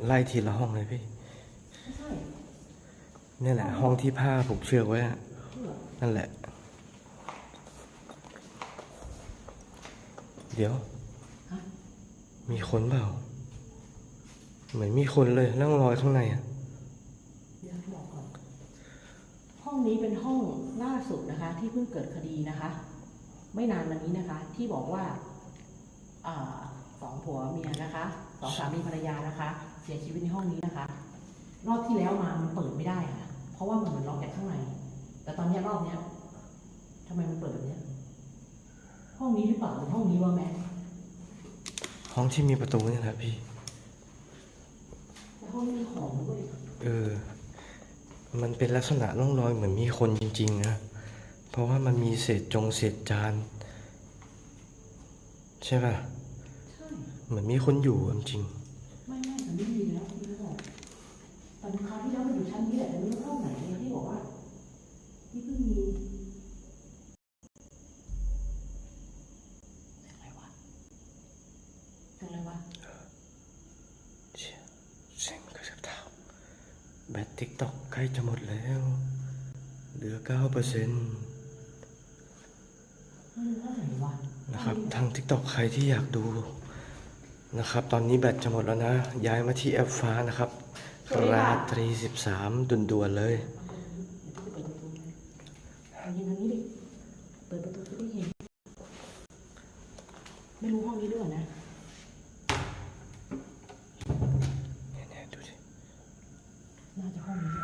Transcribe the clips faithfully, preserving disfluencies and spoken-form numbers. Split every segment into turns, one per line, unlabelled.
ไล่ทีละห้องเลยพี่นี่แหละห้องที่ผ้าผูกเชือกไว้นั่นแหละเดี๋ยวมีคนเปล่าเหมือนมีคนเลยนั่งรอยข้างในอ่ะ
ห้องนี้เป็นห้องล่าสุดนะคะที่เพิ่งเกิดคดีนะคะไม่นานมานี้นะคะที่บอกว่าอ่าสองผัวเมียนะคะสองสามีภรรยานะคะเสียชีวิตในห้องนี้นะคะรอบที่แล้วมามันเปิดไม่ได้ค่ะเพราะว่ามันเหมือนล็อกจากข้างในแต่ตอนนี้รอบเนี้ยทำไมมันเปิดแบบนี้ห้องนี้หรือเปล่าหรือห้องนี้วะแม่
ห้องที่มีประตูนี่แหละพี่
แต่ห้องนี้มีของด้วย
เออมันเป็นลักษณะร่องรอยเหมือนมีคนจริงๆนะเพราะว่ามันมีเศษจงเศษจานใช่ป่ะใช่เหมือนมีคนอยู่จริง
ไม่ไม่แต่ไม่มีแล้วพี่บอกตอนคราวที่แล้วมันอยู่ชั้นนี้แหละแต่ไม่รู้ห้องไหนเนี่ยที่บอกว่าที่เพิ่งมีอะไรวะอะไรวะ
เชี่ยเสียงกระชับเท้าแบตติ๊กต็อกใกล้จะหมดแล้วเหลือเก้าเปอร์เซ็นต์นะครับทางติ๊กต็อกใครที่อยากดูนะครับตอนนี้แบตจะหมดแล้วนะย้ายมาที่แอปฟ้านะครับราตรีสิบสามด่วนๆเลย
ยืนทางนี้ดิเปิดประตูจะได้เห็นไม่รู้ห้องนี้ด้วยนะ
เนี่ยดูสิ
น่าจะห้องนี้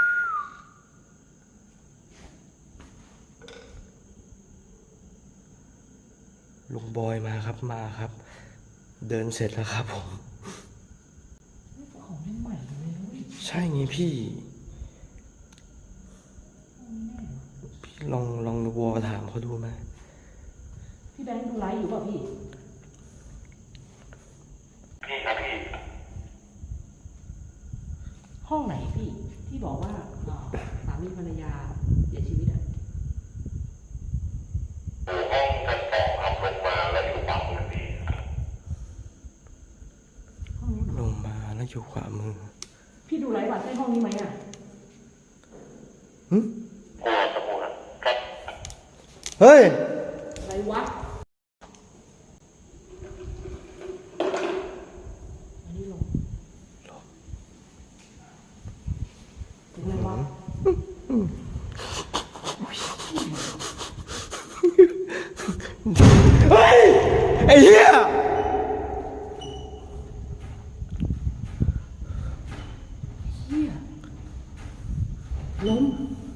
ลุงบอยมาครับมาครับเดินเสร็จแล้วครับผม
ของเล่นใหม่เลย
ใช่ไงพี่พี่ลองลองวอถามเขาดูไหม
พี่แบงค์ดูไลฟ์อยู่ป่ะพี่
พี่ครับพี่
ห้องไหนพี่ที่บอกว่าสามีภรรยาเสียชีวิตอ่ะ
ห้องชั้นสองครับลงมาแล้วอยู่ขวามือพี่
ห้องนี้
ลงมาแล้วอยู่ขวามือ
พี่ดูไลฟ์ว่าใช่ห้องนี้ไหมอ่ะ
หึ
โอ้สมุดครับ
เฮ้ย
อะไรวะอันนี้ลงถึงอะไรวะ
เฮ้ยไอ้เหี้ย
เหี้ยล้ม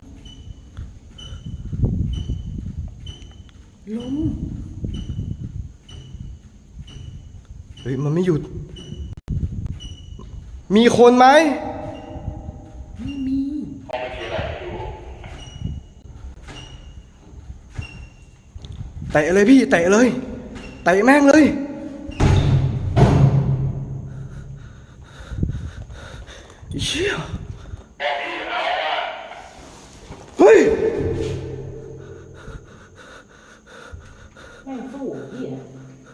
ล้ม
เฮ้ยมันไม่หยุดมีคนไหม
ไม่มี
ห้องไม่มีอะไรอยู่
เตะเลยพี่เตะเลยเตะแม่งเลยเชี่ยเฮ้ย
แม่งสู้พี่อ่ะ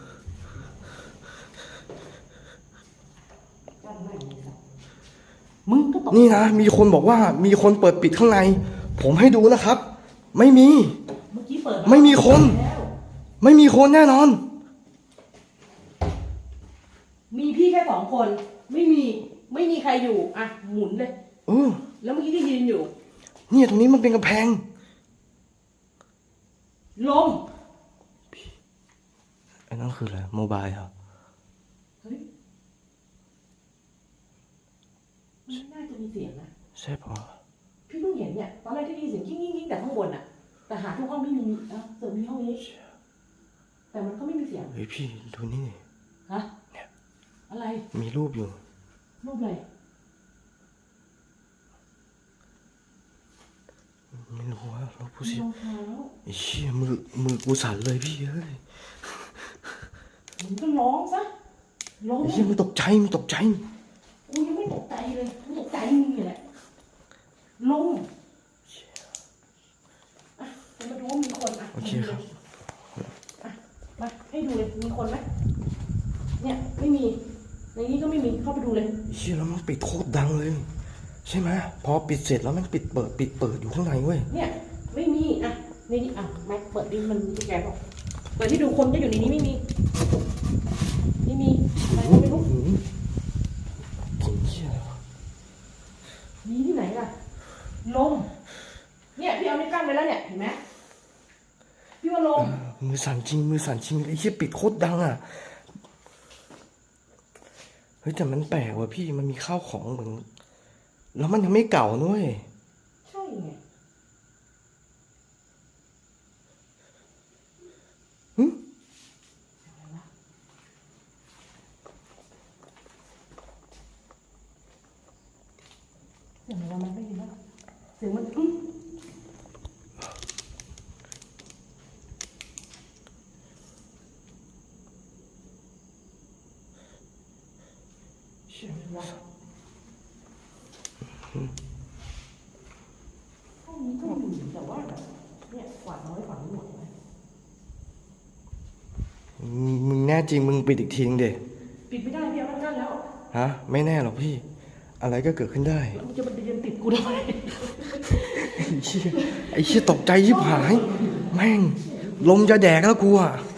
จันไม่มีสักมึงก็ตก
นี่นะมีคนบอกว่ามีคนเปิดปิดข้างในผมให้ดูนะครับไม่มี
เมื่อกี้เปิด
ไม่มีคนไม่มีคนแน่นอน
มีพี่แค่สองคนไม่มีไม่มีใครอยู่อ่ะหมุนเลย
เออ
แล้วเมื่อกี้ที่ยืนอยู่
เนี่ยตรงนี้มันเป็นกำแพง
ลม
อันนั้นคืออะไรโมบายเหรอ
เฮ้ยมันน่าจะมีเสียงนะ
ใช่ปะ
พี่เพิ่งเห็นเนี่ยตอนแรกที่ได้ยินเสียงกิ้งกิ้งกิ้งแต่ข้างบนอ่ะแต่หาทุกห้องไม่มีอ่ะเสริมมีห้องนี้แต่มันก็ไม่มีเสียง
เฮ้ยพี่ดูนี่
ฮะเนี่ยอะไร
มีรูปอยู่
รูปอะไร
ไม่รู้ว่าเราผู้ชายไอ้เชี่ยมือมือกูสั่นเลยพี่เฮ้ย
มึงก็ร้องซะร้อง
ไอ้เชี่ยมันตกใจมันตกใจ
กูยังไม่ตกใจเลยกูตกใจมึงนี่แหละลงอ่ะมาดูว่ามีคนอ่ะ
โอเคครับ
อ่ะมาให้ดูเลยมีคนไหมเนี่ยไม่มีในนี้ก็ไม่มีเข้าไปดูเลย
เชี่ยแล้วมันปิดโคตรดังเลย ใช่ไหมพอปิดเสร็จแล้วมันปิดเปิดปิดเปิดอยู่ข้างในเว้ย
เนี่ยไม่มีอ่ะในนี้อ่ะแม็กเปิดดิมันมีตุ๊กแกบอกเปิดที่ดูคนก็อยู่ในนี้ไม่มีไม่มีอะไรก็ไม่รู้
หืมกลิ่นเชี่ยอะไรวะ
มีที่ไหนล่ะลมเนี่ยพี่เอานี่กั้นไว้แล้วเนี่ยเห็นไหมพี่ว่าลม
มือสั่นจริงมือสั่นจริงไอ้เชี่ยปิดโคตรดังอ่ะเฮ้ยแต่มันแปลกว่ะพี่มันมีข้าวของเหมือนแล้วมันยังไม่เก่าด้วย
ใช่ไง
หึ
อะไรวะเสียงอะไรมันไม่ดีแล้วเสียงมันอื้อเสียงอะไรวะห้องนี้ก็มีแต่ว่าแบบเนี่ยกวาดน้อยกว่านี้หมดเลย
มึงมึงแน่จริงมึงปิดอีกทีนึงเด
ปิดไม่ได้พี่เอามันกั้นแล้ว
ฮะไม่แน่หรอกพี่ อะไรก็เกิดขึ้นได้
แล้วมันจะมาเดินติดกูทำไม
ไอ้เชี่ยไอ้เชี่ยตกใจยิบหาย แม่ง ลมจะแดกแล้วกูอ่ะ